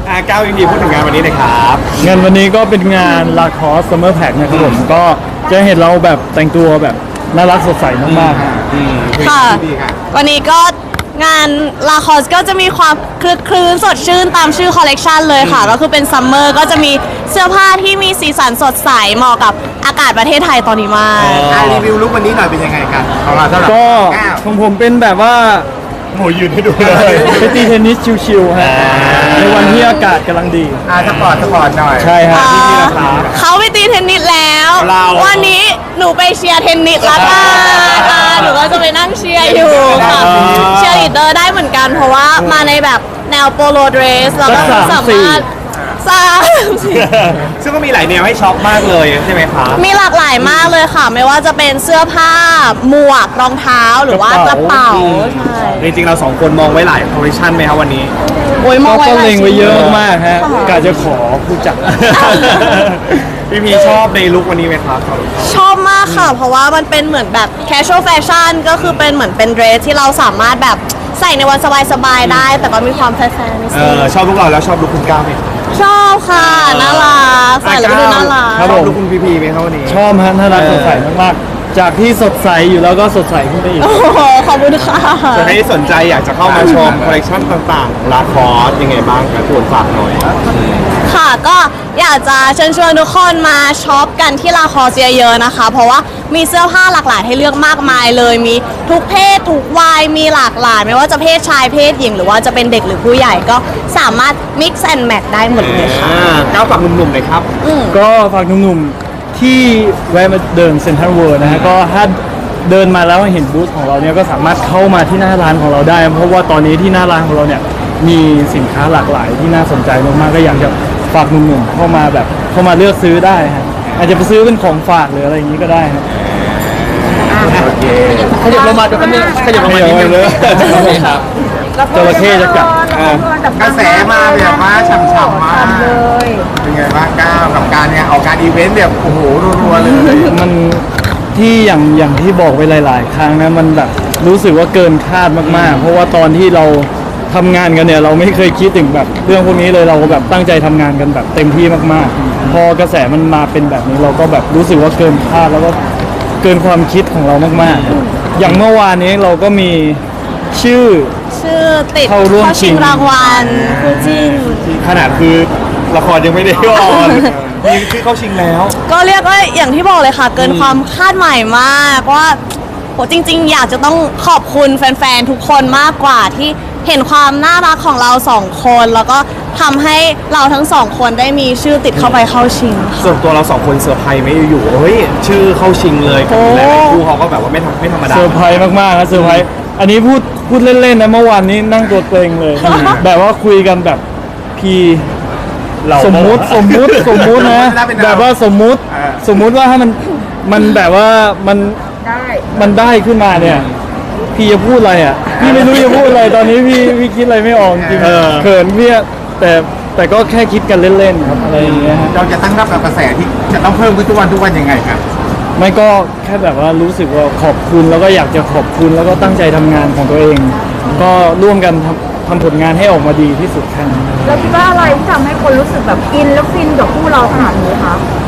ก้าวดีพูดถึงงานวันนี้หน่อยครับงานวันนี้ก็เป็นงานลาคอสซัมเมอร์แพ็คนะครับผมก็จะเห็นเราแบบแต่งตัวแบบน่ารักสดใสมากๆค่ะ วันนี้ก็งานลาคอสก็จะมีความคลึกคลื้นสดชื่นตามชื่อคอลเลกชันเลยค่ะ ก็คือเป็นซัมเมอร์ก็จะมีเสื้อผ้าที่มีสีสันสดใสเหมาะกับอากาศประเทศไทยตอนนี้มากรีวิวลุควันนี้หน่อยเป็นยังไงกันของเราสำหรับก็ก้าวของผมเป็นแบบว่าหมูยืนให้ดูเลยไปตีเทนนิสชิวๆฮะในวันที่อากาศกำลังดีสปอร์ตหน่อยใช่ฮะเขาไปตีเทนนิสแล้วเราวันนี้หนูไปเชียร์เทนนิสละกันหนูก็จะไปนั่งเชียร์อยู่ค่ะ เชียร์ลีดเดอร์ได้เหมือนกัน เพราะว่ามาในแบบแนวโปโลเดรสแล้วก็สักสามารถสามซึ่งก็มีหลายแนวให้ช็อปมากเลยใช่ไหมคะมีหลากหลายมากเลยค่ะ ไม่ว่าจะเป็นเสื้อผ้า หมวก รองเท้า หรือว่ากระเป๋า ใช่จริงๆเราสองคนมองไว้หลายคอลเลคชันไหมครับวันนี้โอ้ยมองไว้ก็หลายเล็งไว้ชิ้นเยอะมากฮะกะจะขอผู้จัดพี่พีชอบในลุควันนี้ไหมครับชอบมากค่ะ เพราะว่ามันเป็นเหมือนแบบ casual fashion ก็คือเป็นเหมือนเป็นเดรสที่เราสามารถแบบใส่ในวันสบายๆได้ แต่ก็มีความแฟร์ๆนิดนึงชอบลุคเราแล้วชอบลุคคุณก้าวไหมชอบค่ะ น่ารักใส่แล้วก็ดูน่ารักครับชผอบมลุคคุณพีไหมครับวันนี้ชอบฮะน่ารักสดใสมากๆจากที่สดใสอยู่แล้วก็สดใสขึ้นไปอีกโอ้โหขอบคุณค่ะส่วนใครที่สนใจอยากจะเข้ามาชมคอลเลคชันต่างๆลาคอสยังไงบ้างครับตัวฝากหน่อยค่ะก็อยากจะเชิญชวนทุกคนมาช็อปกันที่ลาคอสเยอะๆนะคะ เพราะว่ามีเสื้อผ้าหลากหลายให้เลือกมากมายเลย มีทุกเพศทุกวัยมีหลากหลาย ไม่ว่าจะเพศชายเพศหญิงหรือว่าจะเป็นเด็กหรือผู้ใหญ่ก็สามารถ mix and match ได้หมดเลยค่ะก้าวฝากหนุ่มๆหน่อยครับก็ฝากหนุ่มๆที่แวะมาเดินเซ็นทรัลเวิลด์นะฮะก็ถ้าเดินมาแล้วเห็นบูธของเราเนี่ยก็สามารถเข้ามาที่หน้าร้านของเราได้ เพราะว่าตอนนี้ที่หน้าร้านของเราเนี่ยมีสินค้าหลากหลายที่น่าสนใจมากๆก็อยากจะฝากหนุ่มๆเข้ามาแบบเข้ามาเลือกซื้อได้ฮะอาจจะไปซื้อเป็นของฝากหรืออะไรอย่างนี้ก็ได้ฮะโอเคขยับลงมาดูกันขยับลงมานิดนึงเลยครับจระเข้จะกัดกระแสมาแบบว่าฉ่ำๆมากเป็นไงบ้างก้าวกับการเนี่ยออกการอีเวนต์แบบโอ้โหรัวๆเลยมันที่อย่างที่บอกไปหลายๆ ครั้งนะมันแบบรู้สึกว่าเกินคาดมากๆ เพราะว่าตอนที่เราทำงานกันเนี่ยเราไม่เคยคิดถึงแบบเรื่องพวกนี้เลยเราแบบตั้งใจทำงานกันแบบเต็มที่มากๆ พอกระแสมันมาเป็นแบบนี้เราก็แบบรู้สึกว่าเกินคาดแล้วก็เกินความคิดของเรามากๆ อย่างเมื่อวานนี้เราก็มีชื่อติดเข้าร่วมชิงรางวัลคู่จิ้นขนาดคือละครยังไม่ได้ออนมีที่เข้าชิงแล้วก็เรียกว่าอย่างที่บอกเลยค่ะ เกินความคาดหมายมากว่าโหจริงๆ อยากจะต้องขอบคุณแฟนๆ ทุกคนมากกว่าที่เห็นความน่ารักของเราสองคน แล้วก็ทำให้เราทั้งสองคนได้มีชื่อติดเข้าไปเข้าชิงค่ะส่วนตัวเราสองคนเซอร์ไพรส์ไหมอยู่ๆเฮ้ยชื่อเข้าชิงเลยกับหลายๆคู่เขาก็แบบว่าไม่ธรรมดาเซอร์ไพรส์มากๆนะเซอร์ไพรส์อันนี้พูดเล่นๆนะเมื่อวานนี้นั่งตัวเกรงเลย แบบว่าคุยกันแบบพีสมมุตินะแบบว่าสมมุติว่าถ้ามันแบบว่ามันได้ขึ้นมาเนี่ยพี่จะพูดอะไรอ่ะพี่ไม่รู้จะพูดอะไรตอนนี้พี่คิดอะไรไม่ออกจริงเขินพี่แต่ก็แค่คิดกันเล่นๆครับอะไรอย่างเงี้ยฮะเราจะตั้งรับกับกระแสที่จะต้องเพิ่มขึ้นทุกวันยังไงครับไม่ก็แค่แบบว่ารู้สึกว่าขอบคุณแล้วก็อยากจะขอบคุณแล้วก็ตั้งใจทำงานของตัวเอง ก็ร่วมกันทำผลงานให้ออกมาดีที่สุดแค่นั้นแล้วคิดว่าอะไรที่ทำให้คนรู้สึกแบบอินแล้วฟินกับคู่เราขนาดนี้คะ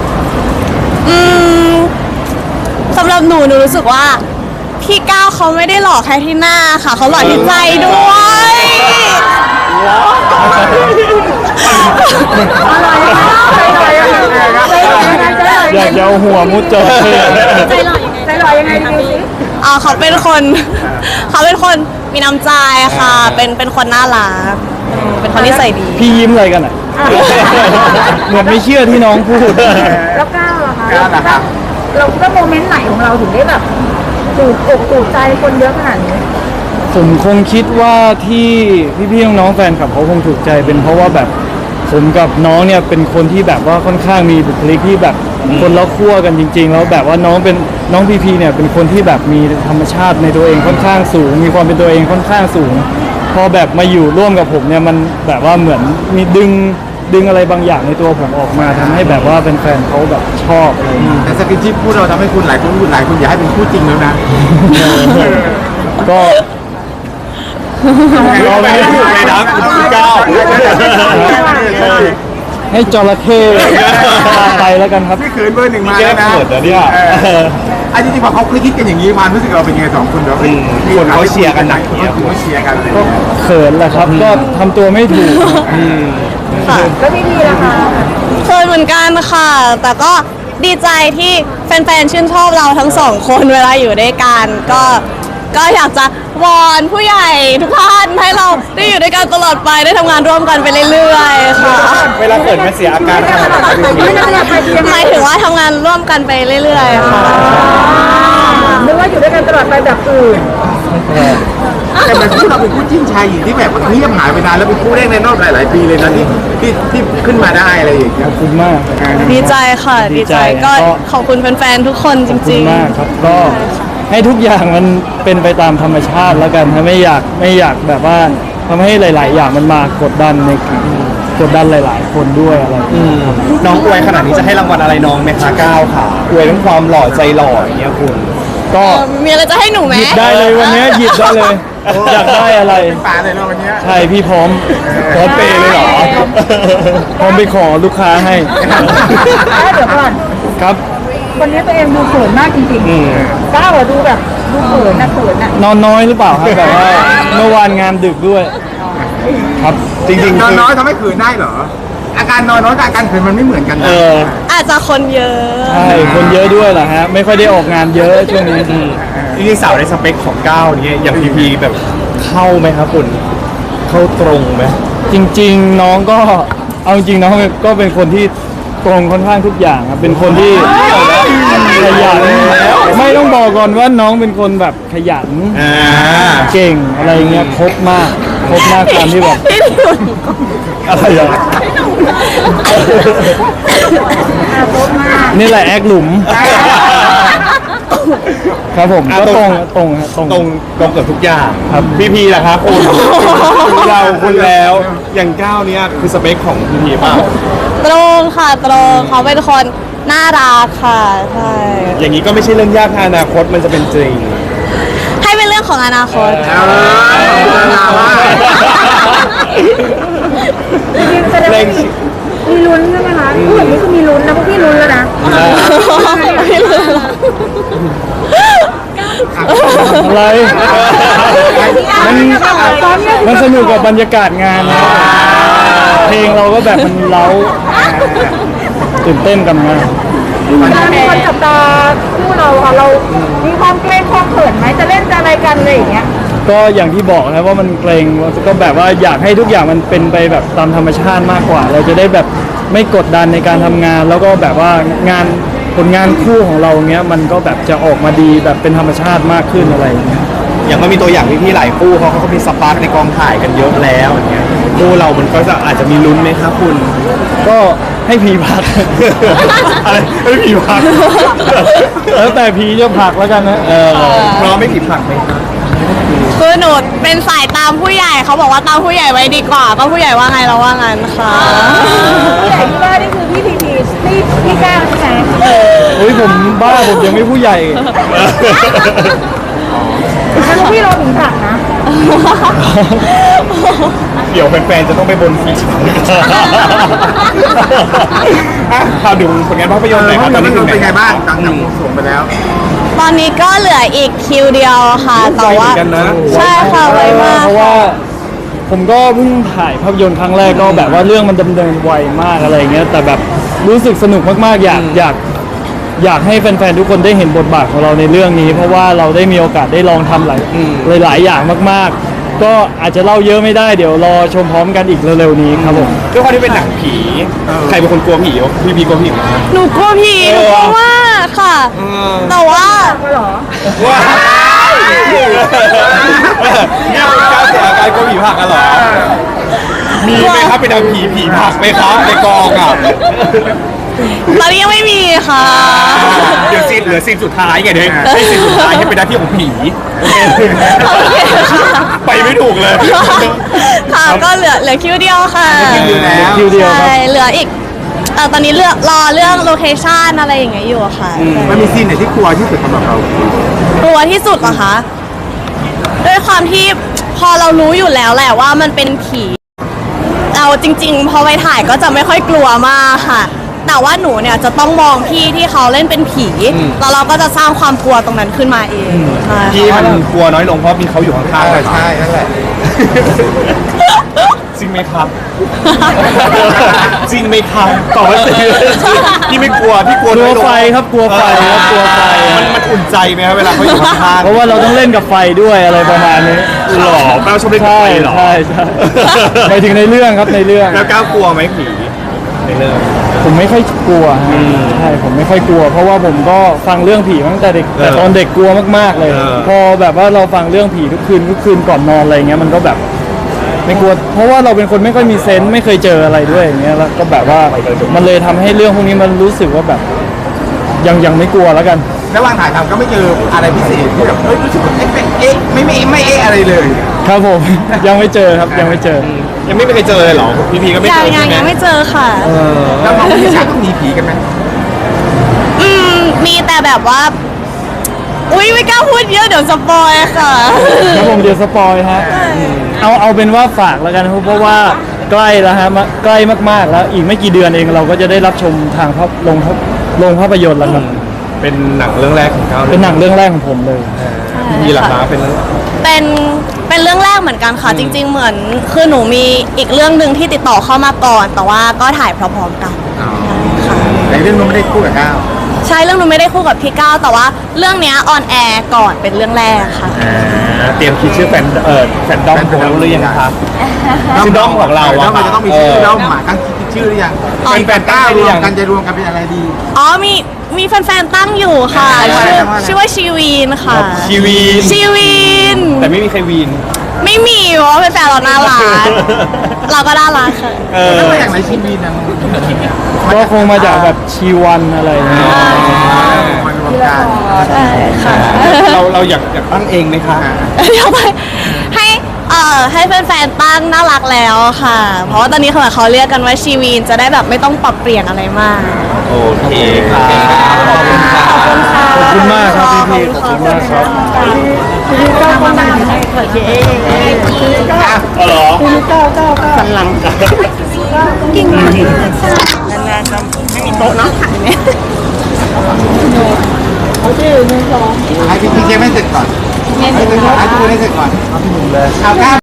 สำหรับหนูรู้สึกว่าพี่ก้าวเขาไม่ได้หล่อแค่ที่หน้าค่ะ เขาหล่อที่ใจด้วยอยากจะเอาหัวมุดจอเข้ใจลอยยังไงใจลอยยังไงดูสิเขาเป็นคน เขาเป็นคนมีน้ำใจค่ะ เป็นคนน่ารักเป็นคนที่ใส่ดีพี่ยิ้มอะไรกันอ่ะ เหมือนไม่เชื่อที่น้องพูดแล้วก้าวล่ะคะเราคิดว่าโมเมนต์ไหนของเราถึงได้แบบถูกอกถูกใจคนเยอะขนาดนี้ผมคงคิดว่าที่พี่ๆน้องๆแฟนคลับเขาคงถูกใจเป็นเพราะว่าแบบผมกับน้องเนี่ยเป็นคนที่แบบว่าค่อนข้างมีบุคลิกที่แบบคนละขั้วกันจริง ๆ แล้วแบบว่าน้องพีเนี่ยเป็นคนที่แบบมีธรรมชาติในตัวเองค่อนข้างสูง มีความเป็นตัวเองค่อนข้างสูง พอแบบมาอยู่ร่วมกับผมเนี่ยมันแบบว่าเหมือนมีดึงอะไรบางอย่างในตัวผมออกมาทำให้แบบว่าเป็นแฟนเขาแบบชอบอะไรอย่างเงี้ยแต่สกินชิปพูดเราทำให้คุณหลายคนอยากให้เป็นคู่จริงแล้วนะก็เราไม่ได้ถูกเลยนะให้จระเข้พาไปแล้วกันครับพี่ขืนเบอร์หนึ่งมาแล้วนะแก้เขินนะเนี่ยอันจริงๆพอเขาคิดกันอย่างนี้ความรู้สึกเราเป็นยังไงสองคนเราคนเขาเชียร์กันหนักอย่างเงี้ยเขาเชียร์กันเลยก็เขินแหละครับ ก็ทำตัวไม่ถูกค่ะแล้วพี่พีล่ะคะเคยเหมือนกันค่ะ แต่ก็ดีใจที่แฟนๆชื่นชอบเราทั้งสองคนเวลาอยู่ด้วยกันก็อยากจะวอนผู้ใหญ่ทุกท่านให้เราได้อยู่ด้วยกันตลอดไปได้ทำงานร่วมกันไปเรื่อยๆค่ะเวลาเกิดมันเสียอาการขนาดไหนหมายถึงว่าทำงานร่วมกันไปเรื่อยๆค่ะนึกว่าอยู่ด้วยกันตลอดไปแบบอื่นแต่มันคู่เราเป็นคู่จิ้นชายหญิงที่แบบเงียบหายไปนานแล้วเป็นคู่แรกในรอบหลายๆปีเลยนะที่ขึ้นมาได้อะไรอย่างเงี้ขยอบคุณมากดีใจค่ะดีดีใจใจก็ก็ขอบคุณแฟนๆทุกคนขจอบคุริณงมากครับ ก็ให้ทุกอย่างมันเป็นไปตามธรรมชาติแล้วกันถ้าไม่อยากแบบว่าทำให้หลาย ๆ อย่างมันมากดดันกดดันหลาย ๆ คนด้วยอะไรอย่างเงี้ยน้องอวยขนาดนี้จะให้รางวัลอะไรน้องไหมคะก้าวค่ะอวยทั้งความหล่อใจหล่ออย่างเงี้ยคุณก็มีอะไรจะให้หนูไหมหยิบได้เลยวันนี้หยิบได้เลย อยากได้อะไรเป็นป่าเลยเนาะวันเนี้ยใช่พี่พร้อมพร้อมเปย์เลยเหรอพร้อมไปขอลูกค้าให้แล้วเดี๋ยวก่อนครับวันนี้ตัวเองดูเขินมากจริงๆก้าวอะดูแบบดูเขินนะเขินอะนอนน้อยหรือเปล่าครับแบบว่าเมื่อวานงานดึกด้วย ครับจริงๆนอนคือน้อยทำให้ขืนได้เหรอ อาการนอนน้อยกับอาการขืนมันไม่เหมือนกันนะอาจจะคนเยอะใช่คนเยอะด้วยเหรอฮะไม่ค่อยได้ออกงานเยอะช่วงนี้จริงๆสาวในสเปคของก้าวเนี่ยอย่างพีพีแบบเข้าไหมครับคุณเข้าตรงไหมจริง ๆ น้องก็เอาจริงๆน้องก็เป็นคนที่ตรงค่อนข้างทุกอย่างครับเป็นคนที่ขยันไม่ต้องบอกก่อนว่าน้องเป็นคนแบบขยัน เก่งอะไรเงี้ยครบมากตามที่แบบพี่ดิวอะไรอ่ะนี่แหละแอคหลุม ครับผมก็ตรงฮะตรงตรงเกือบทุกอย่างครับพีพีล่ะครับคุณเราคุณแล้วอย่างก้าวเนี่ยคือสเปคของพีพีเปล่าตรงค่ะตรงเขาเป็นคนน่ารักค่ะใช่อย่างนี้ก็ไม่ใช่เรื่องยากถ้าอนาคตมันจะเป็นจริงให้เป็นเรื่องของอนาคตจริงๆแสดงว่ามีลุ้นใช่ไหมคะพูดแบบนี้คือมีลุ้นนะพวกพี่ลุ้นแล้วนะไม่รู้อะไรมันสนุกกับบรรยากาศงานนะเพลงเราก็แบบมันเล้าตื่นเต้นกันมากมีคนจับตาคู่เราค่ะเรามีความเกรงความเขินไหมจะเล่นจะอะไรกันอะไรอย่างเงี้ยก็อย่างที่บอกนะว่ามันเกรงก็แบบว่าอยากให้ทุกอย่างมันเป็นไปแบบตามธรรมชาติมากกว่า เราจะได้แบบไม่กดดันในการทำงาน แล้วก็แบบว่างานผลงานคู่ของเราเงี้ยมันก็แบบจะออกมาดีแบบเป็นธรรมชาติมากขึ้นอะไรอย่างเงี้ยอย่างมันมีตัวอย่างพี่ๆหลายคู่เขาก็มีสปาร์กในกองถ่ายกันเยอะแล้วอย่างเงี้ยคู่เรามันก็จะอาจจะมีลุ้นไหมครับคุณก็ให้พีพักอะไรไม่ผีผักแล้วแต่พีจะผลักแล้วกันนะพร้อมไม่ผีผักไหมครับคือหนูเป็นสายตามผู้ใหญ่เขาบอกว่าตามผู้ใหญ่ไว้ดีกว่า ก็ผู้ใหญ่ว่าไงเราว่างั้นค่ะผู้ใหญ่ที่ว่านี่คือพี่พีพีพี่ก้าวใช่ไหมเฮ้ยผมบ้าผมยังไม่ผู้ใหญ่แล้วพี่เราถึงผักนะเดี๋ยวแฟนๆจะต้องไปบนผีอ่ะข่าวดูผลงานภาพยนตร์หน่อยครับตอนนี้ถึงไหนเป็นไงบ้างหลังจากวงสรวงไปแล้วตอนนี้ก็เหลืออีกคิวเดียวค่ะ แต่ว่าไวเหมือนกันนะใช่ค่ะไวมากเพราะว่าผมก็เพิ่งถ่ายภาพยนตร์ครั้งแรกก็แบบว่าเรื่องมันดำเนินไวมากอะไรอย่างเงี้ยแต่แบบรู้สึกสนุกมากๆอยากให้แฟนๆทุกคนได้เห็นบทบาทของเราในเรื่องนี้ เพราะว่าเราได้มีโอกาสได้ลองทำหลายอย่างมากๆ ก็อาจจะเล่าเยอะไม่ได้เดี๋ยวรอชมพร้อมกันอีกเร็วๆนี้ครับผมด้วยความที่เป็นหนังผี ใครเป็นคนกลัวผีวะพี่พีกลัวผีไหมครับหนูกลัวผีหนูกลัวมากค่ะ แต่ว่าว้าวเนี่ยเป็นการเสียอาการกลัวผีผักกันเหรอ มีไหมครับเป็นหนังผีผักไหมครับในกองอ่ะตอนนี้ยังไม่มีค่ะเดี๋ยวเหลือซีนสุดท้ายไงเดี๋ยวให้ซีนสุดท้ายให้เป็นหน้าที่ของผีไปไม่ถูกเลยค่ะก็เหลือคิวเดียวค่ะคิวเดียวแล้วคิวเดียวครับใช่เหลืออีกตอนนี้รอเรื่องโลเคชั่นอะไรอย่างเงี้ยอยู่อะค่ะมันมีซีนไหนที่กลัวที่สุดสำหรับเรากลัวที่สุดเหรอคะด้วยความที่พพอเรารู้อยู่แล้วแหละว่ามันเป็นผีเราจริงๆ พอไปถ่ายก็จะไม่ค่อยกลัวมากค่ะ แต่ว่าหนูเนี่ยจะต้องมองพี่ที่เขาเล่นเป็นผีแล้วเราก็จะสร้างความกลัวตรงนั้นขึ้นมาเองใช่พี่มันกลัวน้อยลงเพราะมีเขาอยู่ข้างๆเลยใช่นั่นแหละจริงไหมครับ จริงไหมครับตอบว่าจริงพี่ไม่กลัวพี่กลัวกลัน้วอยลงไฟครับกลัวไฟครับกลัวไฟมันอุ่นใจไหมครับเวลาเขาอยู่ข้างๆเพราะว่าเราต้องเล่นกับไฟด้วยอะไรประมาณนี้หล่อแป้วชอบเล่นกับใช่ไฟเหรอใช่ใช่ไปถึงในเรื่องครับในเรื่องแล้วก้าวกลัวไหมผีในเรื่องผมไม่ค่อยกลัวฮะใช่ผมไม่ค่อยกลัว เพราะว่าผมก็ฟังเรื่องผีมาตั้งแต่เด็กแต่ตอนเด็กกลัวมากๆเลย พอแบบว่าเราฟังเรื่องผีทุกคืนก่อนนอนอะไรเงี้ยมันก็แบบไม่กลัว เพราะว่าเราเป็นคนไม่ค่อยมีเซนส์ไม่เคยเจออะไรด้วยอย่างเงี้ยแล้วก็แบบว่ามันเลยทำให้เรื่องพวกนี้มันรู้สึกว่าแบบยังไม่กลัวแล้วกันระหว่างถ่ายทำก็ไม่เจออะไรพิเศษที่แบบรู้สึกว่าเอ๊ะไม่เอ๊ะอะไรเลยครับผม ยังไม่เจอครับยังไม่เจอยังไม่เคยเจอเลยเหรอพี่พีก็ไม่ยัเจงอยัใช่งไหมยังไม่เจอค่ะแล้วน้องพี่ฉากต้องหนีผีกันไหมมีแต่แบบว่า อุ้ยไม่กล้าพูดเยอะเดี๋ยวสปอยค่ะครับผมเดี๋ยวสปอยฮะเอาเป็นว่าฝากแล้วกันครับเพราะว่าใกล้แล้วฮะใกล้มากๆแล้วอีกไม่กี่เดือนเองเราก็จะได้รับชมทางโรงภาพยนตร์แล้วครับเป็นหนังเรื่องแรกของเขาเป็นหนังเรื่องแรกของผมเลยพี่ล่ะคะเป็นเป็นเรื่องแรกเหมือนกันค่ะ จริง ๆ เหมือนคือหนูมีอีกเรื่องหนึ่งที่ติดต่อเข้ามาก่อน แต่ว่าก็ถ่ายพร้อมๆกันค่ะในเรื่องนู้นไม่ได้คู่กับก้าวใช่เรื่องหนูไม่ได้คู่กับพี่ก้าวแต่ว่าเรื่องเนี้ยออนแอร์ก่อนเป็นเรื่องแรกค่ะเตรียมคิดชื่อแฟนดอมของเราหรือยังคะชื่อด้อมของเราด้ออะมมันจะต้องมีชื่อด้อมหมาตั้งคิดชื่อหรือยังอ๋อเป็นแฟนก้าวรวมกันจะรวมกันเป็นอะไรดีอ๋อมีแฟนๆตั้งอยู่ค่ะ ชื่อว่าชีวีนค่ะชีวีนชีวีนแต่ไม่มีใครวีนไม่มีเพราะว่าแฟนๆเราน่ารักเราก็น่ารักค่ะแล้วมาอย่างไรชีวีนะก็คงมาจากแบบชีวันอะไรอย่างเงี้ยมันรวมกันใช่ค่ะเราอยากตั้งเองไหมคะเดี๋ยวไปให้แฟนๆตั้งน่ารักแล้วค่ะ เพราะว่าตอนนี้เขาเรียกกันว่าชีวีนจะได้แบบไม่ต้องปรับเปลี่ยนอะไรมากโอเคค่ะขอบคุณค่ะขอบคุณมากครับพี่ๆขอบคุณมากครับอ๋อเหรอให้พี่เจไม่เสร็จก่อนให้ทุกคนให้เสร็จก่อนเอาก้าว